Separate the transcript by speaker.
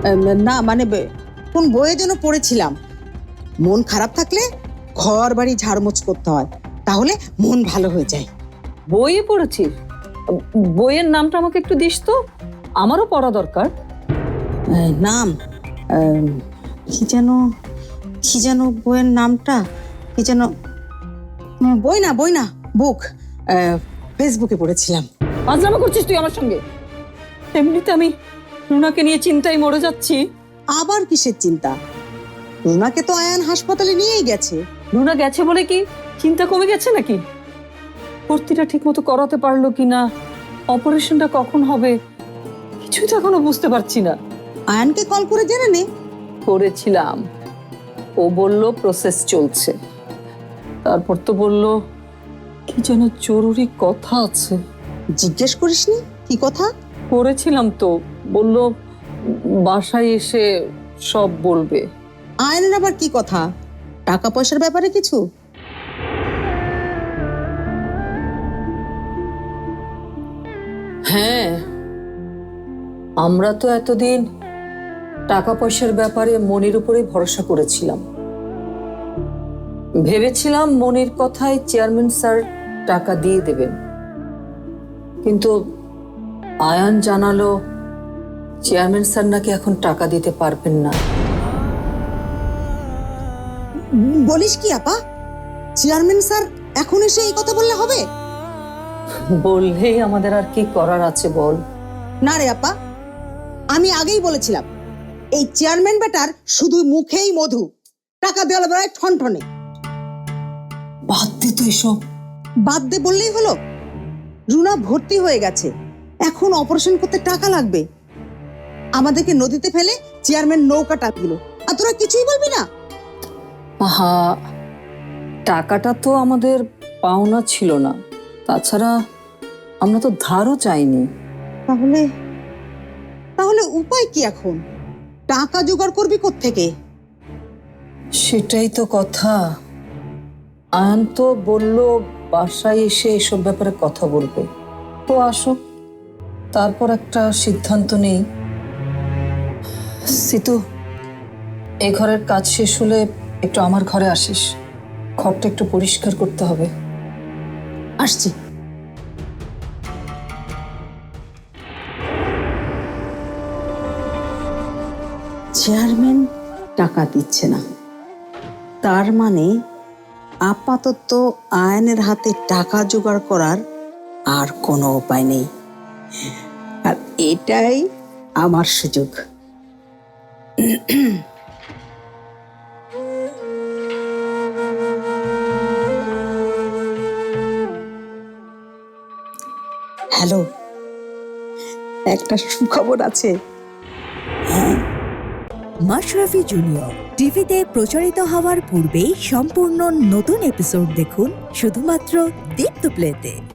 Speaker 1: না মানে কোন বইয়ে যেন পড়েছিলাম, মন খারাপ থাকলে ঘর বাড়ি ঝাড়মোছ করতে হয়, তাহলে মন ভালো হয়ে যায়।
Speaker 2: বইয়ে পড়েছিস? বইয়ের নামটা আমাকে একটু দিস তো, আমারও পড়া দরকার।
Speaker 1: নাম কি যেন বইয়ের নামটা কি যেন, বই না বুক, ফেসবুকে পড়েছিলাম।
Speaker 2: পাজলামো করছিস তুই আমার সঙ্গে? এমনিতে আমি রুনাকে নিয়ে চিন্তায় মরে যাচ্ছি।
Speaker 1: আবার কিসের চিন্তা? রুনাকে তো আয়ান হাসপাতালে নিয়েই গেছে।
Speaker 2: রুনা গেছে বলে কি চিন্তা কমে গেছে নাকি? ভর্তিটা ঠিক মতো করাতে পারলো কিনা, অপারেশনটা কখন হবে, কিছুই তো এখনো বুঝতে পারছি না।
Speaker 1: আয়ানকে কল করে জেনে নে।
Speaker 2: করেছিলাম, ও বলল প্রসেস চলছে। তারপর তো বলল কি যেন জরুরি কথা আছে।
Speaker 1: জিজ্ঞেস করিসনি কি কথা?
Speaker 2: করেছিলাম তো, বলল বাসায় এসে সব বলবে।
Speaker 1: আয়নের আবার কি কথা? টাকা পয়সার ব্যাপারে কিছু?
Speaker 2: হ্যাঁ, আমরা তো এতদিন টাকা পয়সার ব্যাপারে মনির উপরে ভরসা করেছিলাম। ভেবেছিলাম মনির কথায় চেয়ারম্যান স্যার টাকা দিয়ে দেবেন, কিন্তু আয়ান জানালো চেয়ারম্যান স্যার নাকি এখন টাকা দিতে পারবেন না।
Speaker 1: বলিস কি আপা? চেয়ারম্যান স্যার এখন এসে এই কথা বললে হবে?
Speaker 2: বললেই আমাদের আর কি করার আছে বল?
Speaker 1: না রে আপা, আমি আগেই বলেছিলাম এই চেয়ারম্যান বেটার শুধু মুখেই মধু, টাকা দেওয়ার বেলায় ঠনঠনে।
Speaker 2: বাদ দে তো এসব।
Speaker 1: বাদ দে বললেই হলো? রুনা ভর্তি হয়ে গেছে, এখন অপারেশন করতে টাকা লাগবে। আমাদেরকে নদীতে ফেলে চেয়ারম্যান নৌকা টাক দিল, আর তোরা কিছুই বলবি না?
Speaker 2: আহা, টাকাটা তো আমাদের পাওনা ছিল না, তাছাড়া আমরা তো ধারও চাইনি।
Speaker 1: তাহলে তাহলে উপায় কি এখন? টাকা জোগাড় করবি কোত্থেকে?
Speaker 2: সেটাই তো কথা। আয়ান তো বলল বাসায় এসে এসব ব্যাপারে কথা বলবে। তো আসুক, তারপর একটা সিদ্ধান্ত নেই। সিতু, এই ঘরের কাজ শেষ হলে একটু আমার ঘরে আসিস, ঘরটা একটু পরিষ্কার করতে হবে।
Speaker 1: আসছি। চেয়ারম্যান টাকা দিচ্ছে না, তার মানে আপাতত আয়নের হাতে টাকা জোগাড় করার আর কোনো উপায় নেই, আর এটাই আমার সুযোগ। হ্যালো, একটা সুখবর আছে।
Speaker 3: মাশরাফি জুনিয়র টিভিতে প্রচারিত হওয়ার পূর্বেই সম্পূর্ণ নতুন এপিসোড দেখুন শুধুমাত্র দীপ্ত প্লেতে।